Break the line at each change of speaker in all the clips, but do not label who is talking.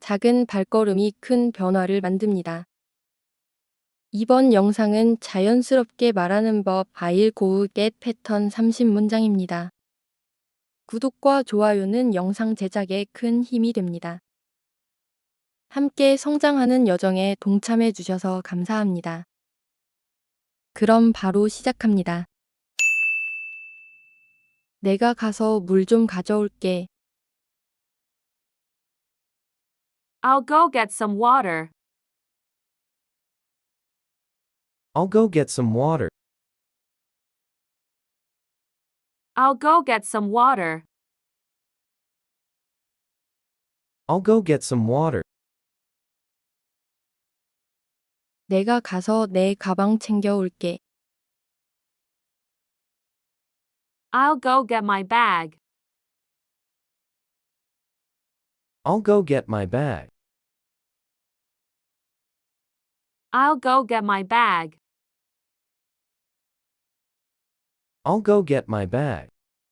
작은 발걸음이 큰 변화를 만듭니다. 이번 영상은 자연스럽게 말하는 법 I'll go get 패턴 30문장입니다. 구독과 좋아요는 영상 제작에 큰 힘이 됩니다. 함께 성장하는 여정에 동참해 주셔서 감사합니다. 그럼 바로 시작합니다. 내가 가서 물 좀 가져올게.
I'll go get some water.
I'll go get some water.
I'll go get some water.
I'll go get some water.
내가 가서 내 가방 챙겨올게.
I'll go get my bag.
I'll go get my bag.
I'll go get my bag.
I'll go get my bag.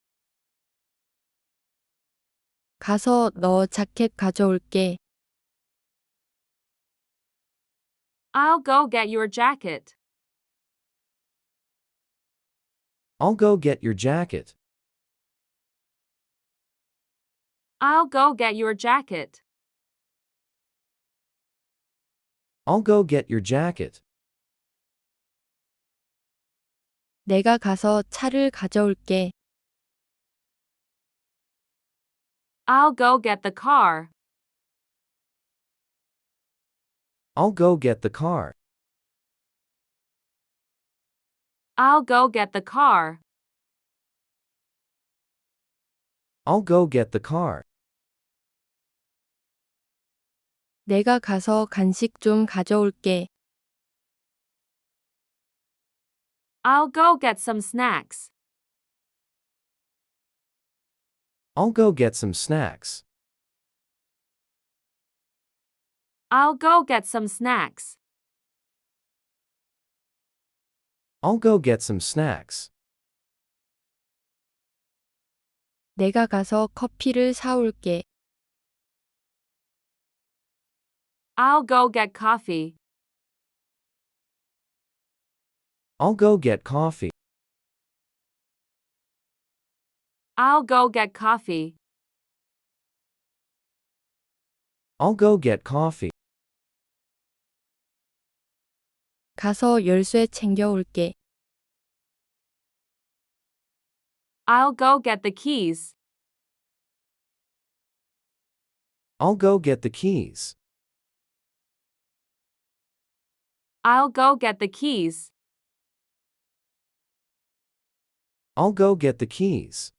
가서 너 자켓 가져올게.
I'll go get your jacket.
I'll go get your jacket.
I'll go get your jacket.
I'll go get your jacket.
내가 가서 차를 가져올게.
I'll go get the car.
I'll go get the car.
I'll go get the car.
I'll go get the car.
내가 가서 간식 좀 가져올게.
I'll go get some snacks.
I'll go get some snacks.
I'll go get some snacks.
I'll go get some snacks.
내가 가서 커피를 사올게.
I'll go get coffee.
I'll go get coffee.
I'll go get coffee.
I'll go get coffee.
가서 열쇠 챙겨올게.
I'll go get the keys.
I'll go get the keys.
I'll go get the keys.
I'll go get the keys.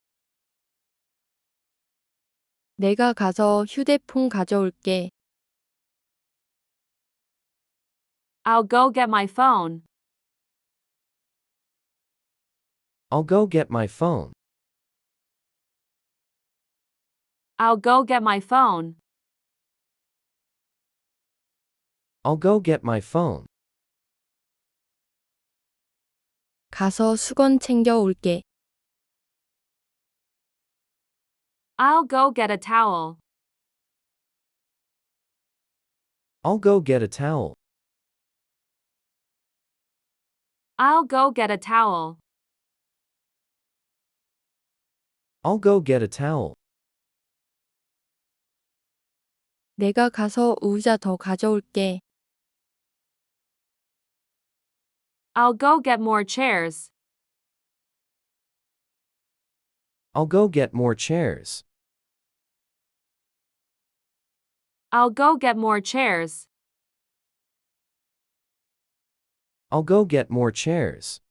내가 가서 휴대폰 가져올게.
I'll go get my phone.
I'll go get my phone.
I'll go get my phone.
I'll go get my phone.
가서 수건 챙겨올게.
I'll go get a towel.
I'll go get a towel.
I'll go get a towel.
I'll go get a towel.
내가 가서 의자 더 가져올게.
I'll go get more chairs.
I'll go get more chairs.
I'll go get more chairs.
I'll go get more chairs.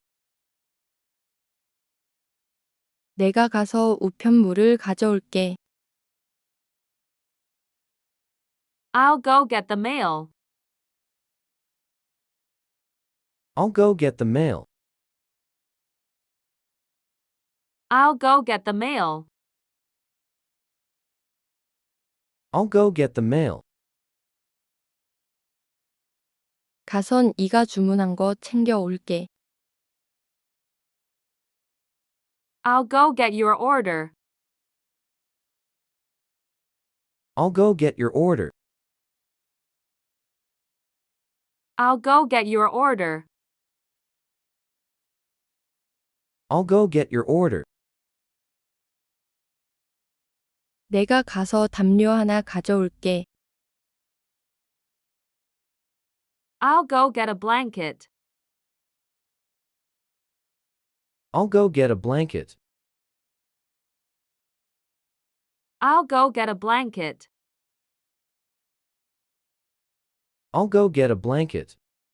내가 가서 우편물을 가져올게.
I'll go get the mail.
I'll go get the mail.
I'll go get the mail.
I'll go get the mail.
가선 이가 주문한 거 챙겨올게.
I'll go get your order.
I'll go get your order.
I'll go get your order.
I'll go get your order.
내가 가서 담요 하나 가져올게.
I'll go get a blanket.
I'll go get a blanket.
I'll go get a blanket.
I'll go get a blanket.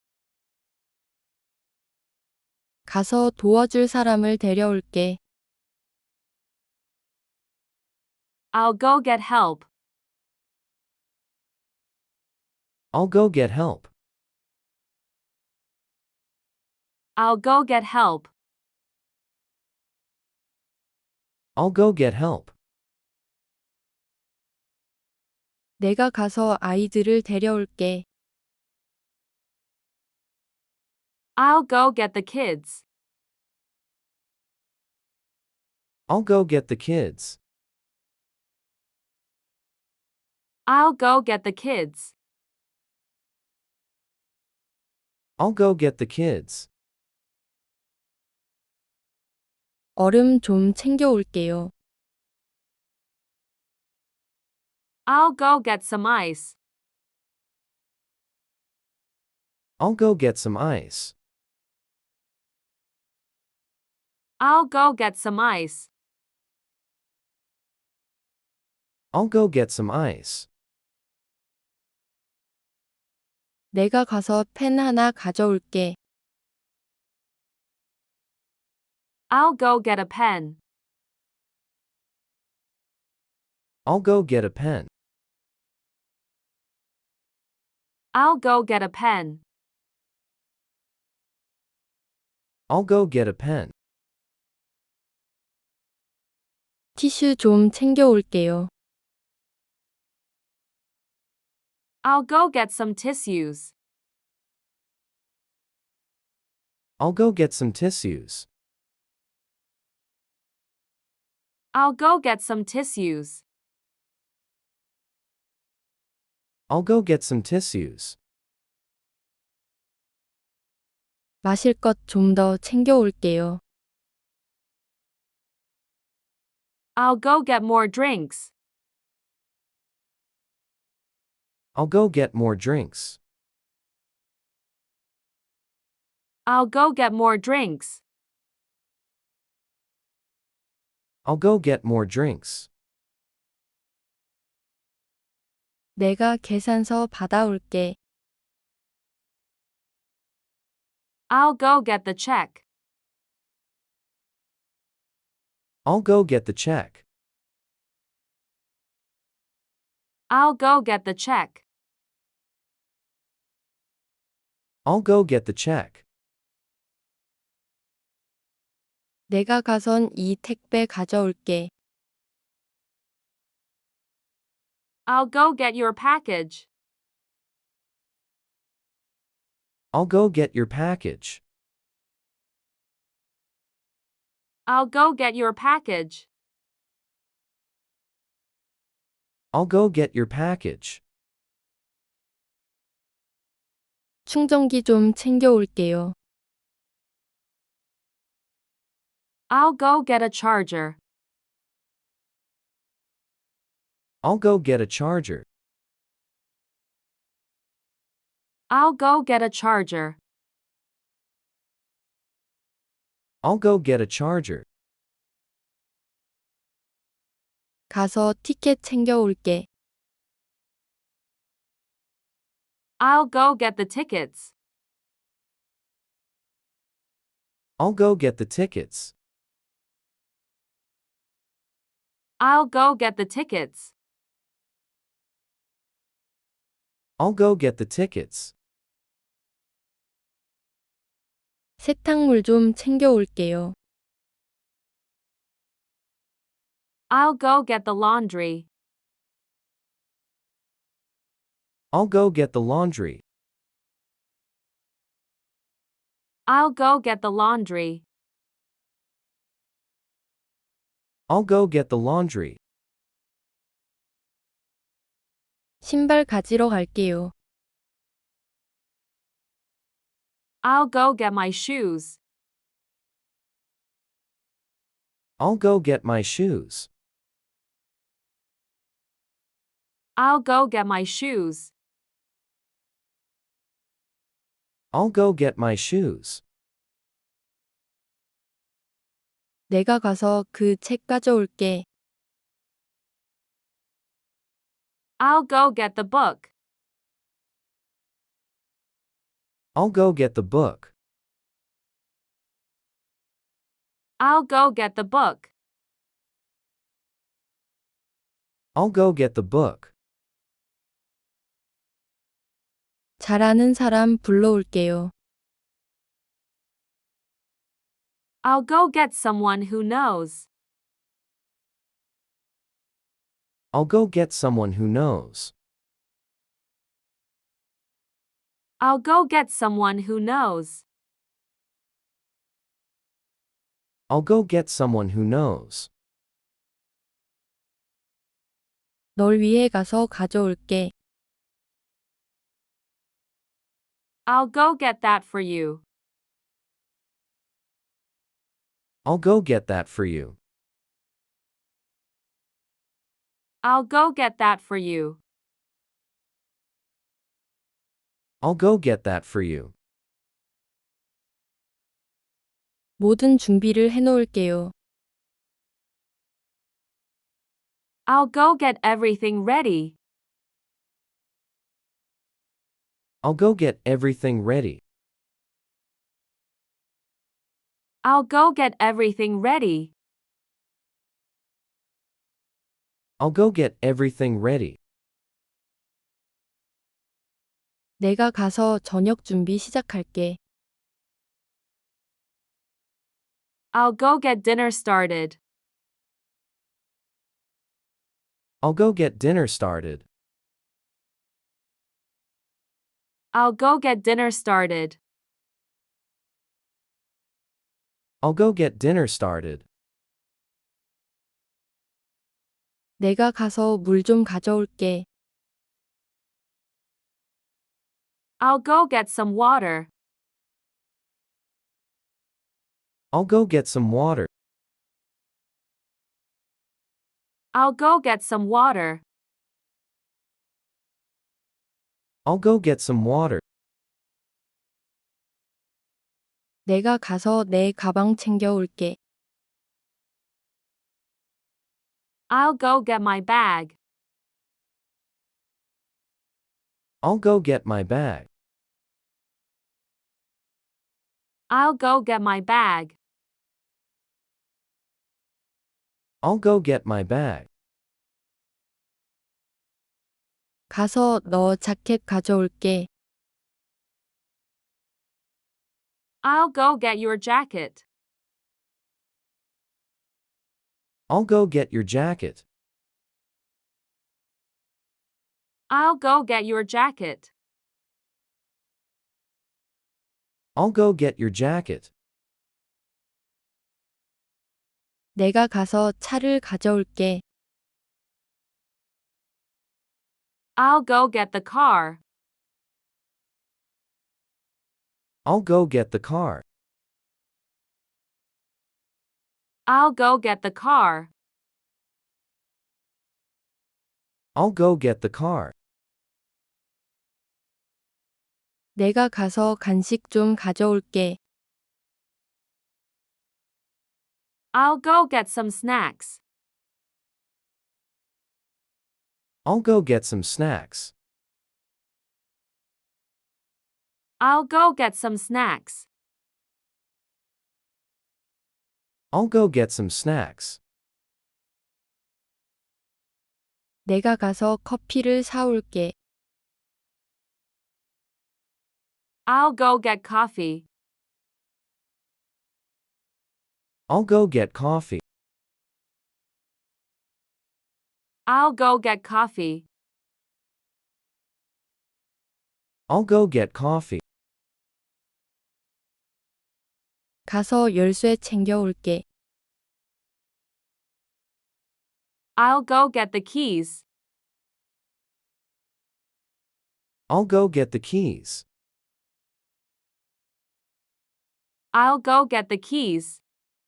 가서 도와줄 사람을 데려올게.
I'll go get help.
I'll go get help.
I'll go get help.
I'll go get help.
내가 가서 아이들을 데려올게.
I'll go get the kids.
I'll go get the kids.
I'll go get the kids.
I'll go get the kids.
얼음 좀 챙겨올게요.
I'll go get some ice.
I'll go get some ice.
I'll go get some ice.
I'll go get some ice.
내가 가서 펜 하나 가져올게.
I'll go get a pen.
I'll go get a pen.
I'll go get a pen.
I'll go get a pen.
티슈 좀 챙겨올게요.
I'll go get some tissues.
I'll go get some tissues.
I'll go get some tissues.
I'll go get some tissues.
마실 것 좀 더 챙겨올게요.
I'll go get more drinks.
I'll go get more drinks.
I'll go get more drinks.
I'll go get more drinks.
내가 계산서 받아올게.
I'll go get the check.
I'll go get the check.
I'll go get the check.
I'll go get the check.
내가 가선 이 택배 가져올게.
I'll go get your package.
I'll go get your package.
I'll go get your package.
I'll go get your package.
충전기 좀 챙겨올게요.
I'll go get a charger.
I'll go get a charger.
I'll go get a charger.
I'll go get a charger.
가서 티켓 챙겨올게.
I'll go get the tickets.
I'll go get the tickets.
I'll go get the tickets.
I'll go get the tickets.
세탁물 좀 챙겨올게요.
I'll go get the laundry.
I'll go get the laundry.
I'll go get the laundry.
I'll go get the laundry.
신발 가지러 갈게요.
I'll go get my shoes.
I'll go get my shoes.
I'll go get my shoes.
I'll go get my shoes.
내가 가서 그 책 가져올게.
I'll go get the book.
I'll go get the book.
I'll go get the book.
I'll go get the book.
잘 아는 사람 불러올게요.
I'll go get someone who knows.
I'll go get someone who knows.
I'll go get someone who knows.
I'll go get someone who knows.
널 위해 가서 가져올게.
I'll go get that for you.
I'll go get that for you.
I'll go get that for you.
I'll go get that for you.
모든 준비를 해놓을게요.
I'll go get everything ready.
I'll go get everything ready.
I'll go get everything ready.
I'll go get everything ready.
내가 가서 저녁 준비 시작할게.
I'll go get dinner started.
I'll go get dinner started.
I'll go get dinner started.
I'll go get dinner started.
내가 가서 물 좀 가져올게.
I'll go get some water.
I'll go get some water.
I'll go get some water.
I'll go get some water.
내가 가서 내 가방 챙겨올게.
I'll go get my bag.
I'll go get my bag.
I'll go get my bag.
I'll go get my bag.
가서 너 자켓 가져올게.
I'll go get your jacket.
I'll go get your jacket.
I'll go get your jacket.
I'll go get your jacket.
내가 가서 차를 가져올게.
I'll go get the car.
I'll go get the car.
I'll go get the car.
I'll go get the car.
내가 가서 간식 좀 가져올게.
I'll go get some snacks.
I'll go get some snacks.
I'll go get some snacks.
I'll go get some snacks.
내가 가서 커피를 사올게.
I'll go get coffee.
I'll go get coffee.
I'll go get coffee.
I'll go get coffee.
가서 열쇠 챙겨올게.
I'll go get the keys.
I'll go get the keys.
I'll go get the keys.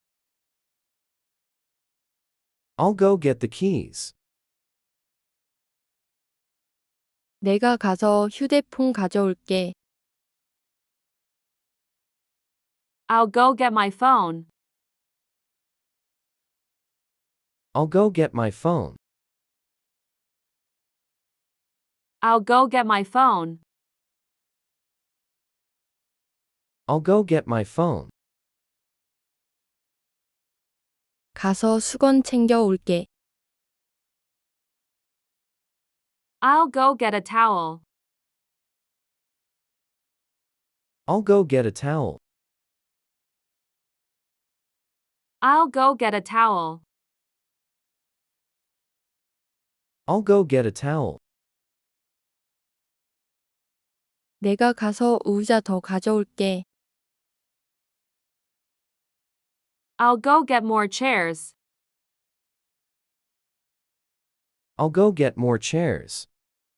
I'll go get the keys.
내가 가서 휴대폰 가져올게.
I'll go get my phone.
I'll go get my phone.
I'll go get my phone.
I'll go get my phone.
가서 수건 챙겨 올게.
I'll go get a towel.
I'll go get a towel.
I'll go get a towel.
I'll go get a towel.
내가 가서 의자 더 가져올게.
I'll go get more chairs.
I'll go get more chairs.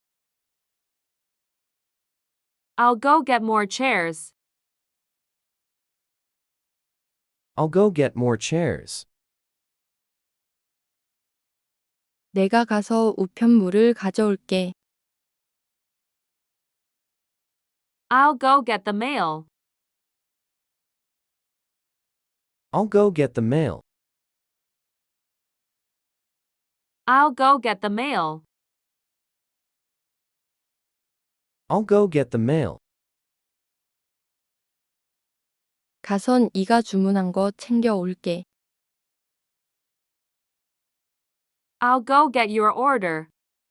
I'll go get more chairs.
I'll go get more chairs.
내가 가서 우편물을 가져올게.
I'll go get the mail.
I'll go get the mail.
I'll go get the mail.
I'll go get the mail.
가선 이가 주문한 거 챙겨 올게.
I'll go get your order.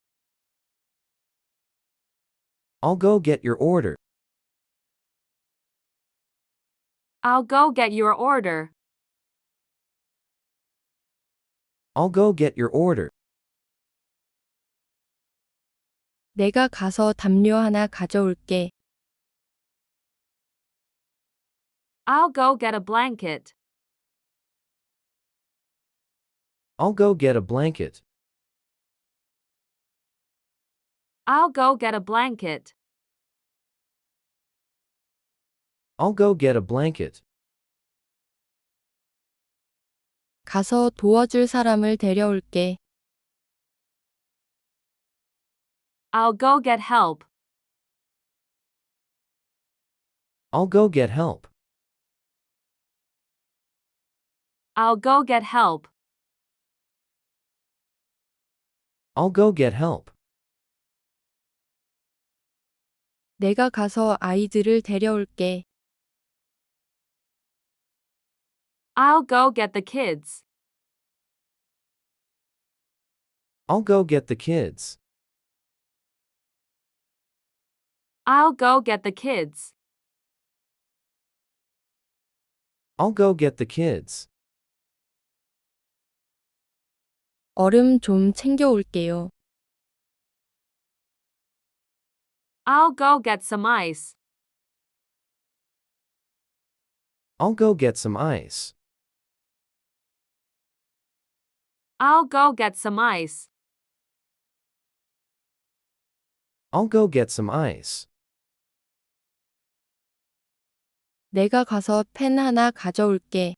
I'll go get your order.
I'll go get your order.
I'll go get your order.
내가 가서 담요 하나 가져올게.
I'll go get a blanket.
I'll go get a blanket.
I'll go get a blanket.
I'll go get a blanket.
가서 도와줄 사람을 데려올게.
I'll go get help.
I'll go get help.
I'll go get help.
I'll go get help.
내가 가서 아이들을 데려올게.
I'll go get the kids.
I'll go get the kids.
I'll go get the kids.
I'll go get the kids.
얼음 좀 챙겨 올게요.
I'll go get some ice.
I'll go get some ice.
I'll go get some ice.
I'll go get some ice.
내가 가서 펜 하나 가져올게.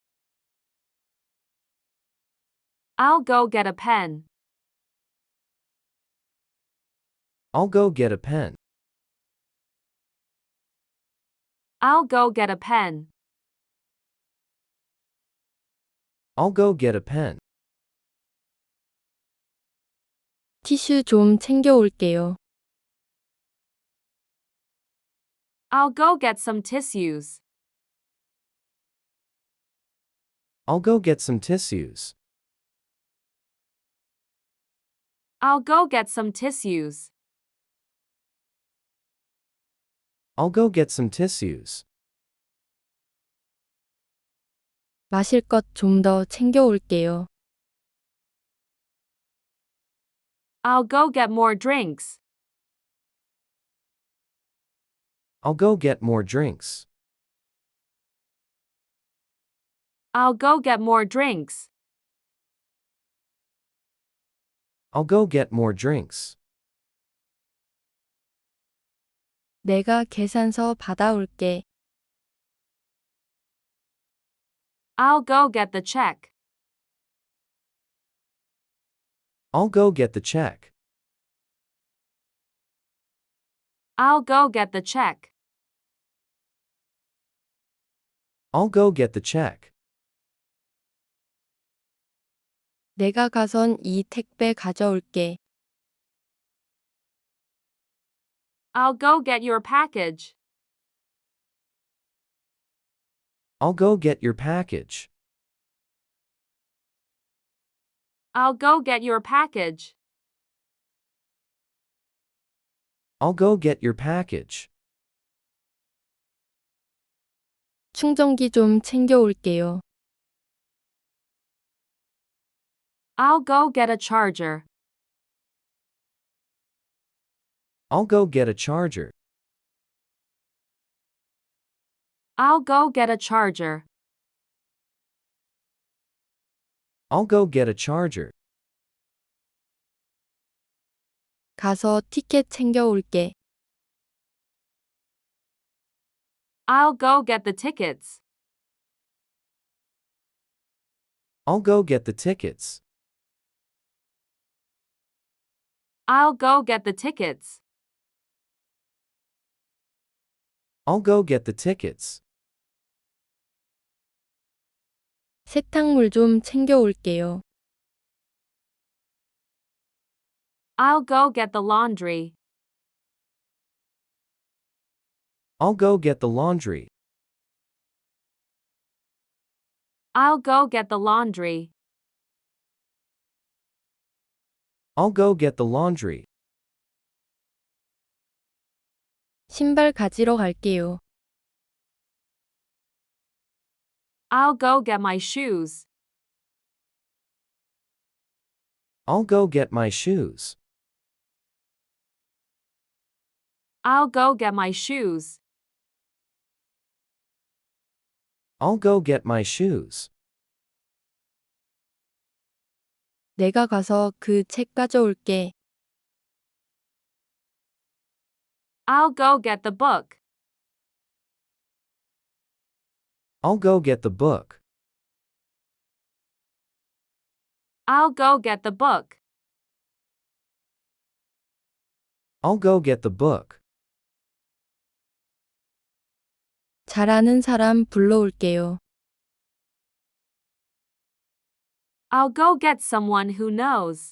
I'll go get a pen.
I'll go get a pen.
I'll go get a pen.
I'll go get a pen.
티슈 좀 챙겨 올게요.
I'll go get some tissues.
I'll go get some tissues.
I'll go get some tissues.
I'll go get some tissues.
마실 것 좀 더 챙겨 올게요.
I'll go get more drinks.
I'll go get more drinks.
I'll go get more drinks.
I'll go get more drinks.
내가 계산서 받아올게.
I'll go get the check.
I'll go get the check.
I'll go get the check.
I'll go get the check.
내가 가선 이 택배 가져올게.
I'll go get your package.
I'll go get your package.
I'll go get your package.
I'll go get your package.
충전기 좀 챙겨올게요.
I'll go get a charger.
I'll go get a charger.
I'll go get a charger.
I'll go get a charger.
가서 티켓 챙겨올게.
I'll go get the tickets.
I'll go get the tickets.
I'll go get the tickets.
I'll go get the tickets.
세탁물 좀 챙겨올게요.
I'll go get the laundry.
I'll go get the laundry.
I'll go get the laundry.
I'll go get the laundry.
신발 가지러 갈게요.
I'll go get my shoes.
I'll go get my shoes.
I'll go get my shoes.
I'll go get my shoes.
내가 가서 그 책 가져올게.
I'll go get the book.
I'll go get the book.
I'll go get the book.
I'll go get the book.
잘 아는 사람 불러올게요.
I'll go get someone who knows.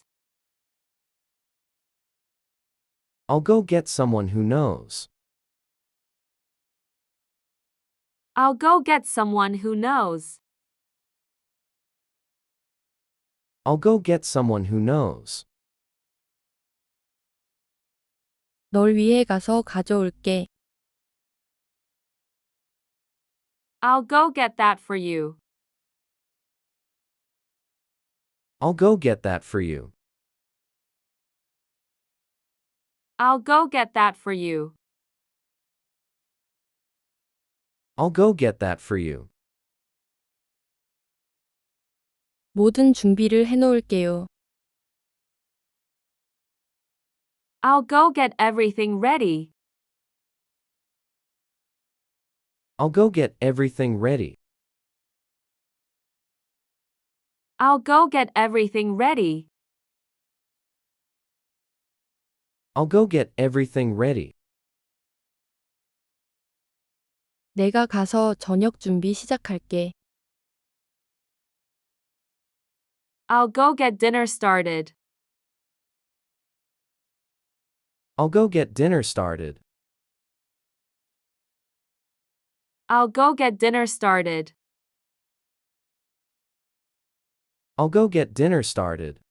I'll go get someone who knows.
I'll go get someone who knows.
I'll go get someone who knows.
널 위해 가서 가져올게.
I'll go get that for you.
I'll go get that for you.
I'll go get that for you.
I'll go get that for you.
모든 준비를 해놓을게요.
I'll go get everything ready.
I'll go get everything ready.
I'll go get everything ready.
I'll go get everything ready.
내가 가서 저녁 준비 시작할게.
I'll go get dinner started.
I'll go get dinner started.
I'll go get dinner started.
I'll go get dinner started.